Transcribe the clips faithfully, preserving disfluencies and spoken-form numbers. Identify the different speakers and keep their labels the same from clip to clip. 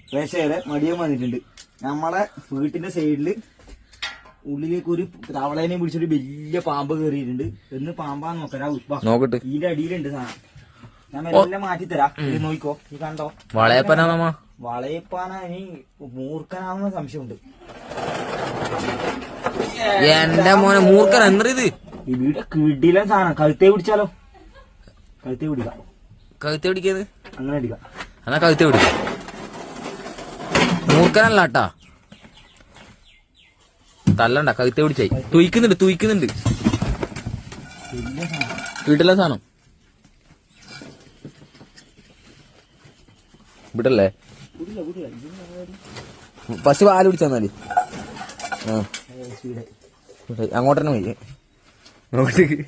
Speaker 1: പ്രേക്ഷകരെ മടിയൻ വന്നിട്ടുണ്ട്. നമ്മളെ വീട്ടിന്റെ സൈഡില് ഉള്ളിലേക്ക് ഒരു തവളേനെ പിടിച്ചൊരു വലിയ പാമ്പ് കയറിയിട്ടുണ്ട്. എന്ന് പാമ്പാന്ന് നോക്കരാ നോക്കട്ടെ. ഇതിന്റെ അടിയിലുണ്ട് സാധനം. ഞാൻ എല്ലാം മാറ്റിത്തരാം. ഇത് നോക്കിക്കോ. ഈ കണ്ടോ
Speaker 2: വളയപ്പനാ
Speaker 1: വളയപ്പാന ഇനി മൂർഖനാണെന്ന് സംശയമുണ്ട്.
Speaker 2: എന്റെ മോനെ മൂർഖൻ എന്തത്
Speaker 1: ഇവിടെ കിടിലൻ സാധനം. കഴുത്തേ പിടിച്ചാലോ? കഴുത്തേ പിടിക്കാം.
Speaker 2: കഴുത്തെ പിടിക്കത്
Speaker 1: അങ്ങനെ അടിക്കാം.
Speaker 2: എന്നാ കഴുത്തെ പിടിക്കാം. മൂർഖനല്ല കേട്ടാ. തല്ലണ്ട, കഴുത്തെ പിടിച്ചായി. തുയിക്കുന്നുണ്ട് തുയിക്കുന്നുണ്ട് വീട്ടിലെ സാധനം വിടല്ലേ. ഫസ്റ്റ് പാല് പിടിച്ചാന്നാല് അങ്ങോട്ട് തന്നെ പോയി. അങ്ങോട്ടേക്ക്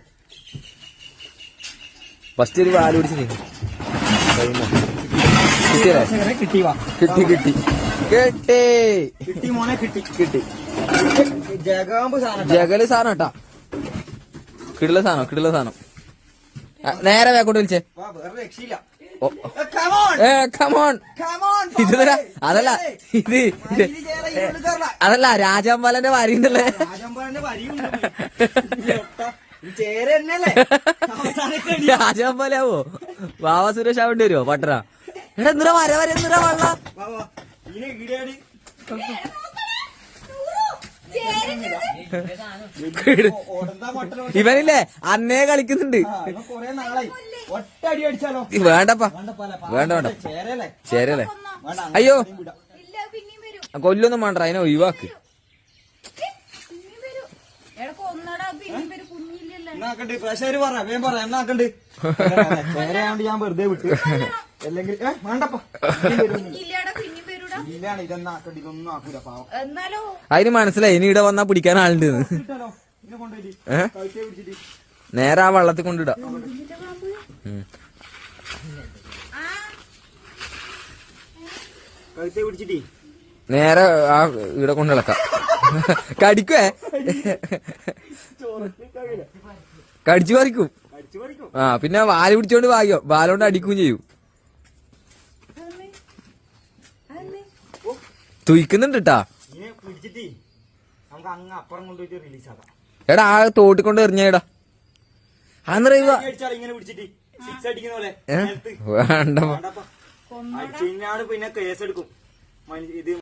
Speaker 2: ഫസ്റ്റ് ഒരു പാല് പിടിച്ചു. കിട്ടി കിട്ടി കിട്ടി കിട്ടി
Speaker 1: കിട്ടി മോനെ കിട്ടി
Speaker 2: കിട്ടി.
Speaker 1: ജഗാമ്പ് സാധനം.
Speaker 2: ജഗല് സാധനം കേട്ടാ. കിടില സാധനം കിടില സാധനം. നേരെ വേക്കോട്ട് വിളിച്ചേ.
Speaker 1: രക്ഷയില്ല.
Speaker 2: ഏ കമോൺ. ഇത് അതല്ല ഇത് അതല്ല രാജാമ്പാലന്റെ വരിയുണ്ടല്ലേ. രാജാമ്പാലാവോ? വാവ സുരേഷ് ആവേണ്ടി വരുമോ പട്ടറ? എടാ എന്തിനാ വര വര എന്തിനാ വള്ള ഇവനില്ലേ അന്നേ കളിക്കുന്നുണ്ട്. വേണ്ടപ്പാ വേണ്ട വേണ്ട ചേരല്ലേ. അയ്യോ കൊല്ലൊന്നും വേണ്ട, അതിനെ ഒഴിവാക്ക്.
Speaker 1: ഞാൻ വെറുതെ വിട്ടു. അല്ലെങ്കിൽ വേണ്ടപ്പാ
Speaker 2: അതിന് മനസ്സിലായി ഇനി ഇവിടെ വന്നാ പിടിക്കാൻ ആളുണ്ട്. നേരെ ആ വള്ളത്തിൽ കൊണ്ടിടാ. നേരെ ആ ഇവിടെ കൊണ്ട് ഇളക്കാം. കടിക്കുവേ കടിച്ചു പറിക്കും. ആ പിന്നെ വാല് പിടിച്ചോണ്ട് വായോ വാലോണ്ട് അടിക്കുകയും ചെയ്യും. തുയിക്കുന്നുണ്ട് ട്ടാ. എടാ ആ തോട്ടിക്കൊണ്ട് എറിഞ്ഞേടാ. അന്നറിയുക വേണ്ട
Speaker 1: പിന്നെ കേസെടുക്കും.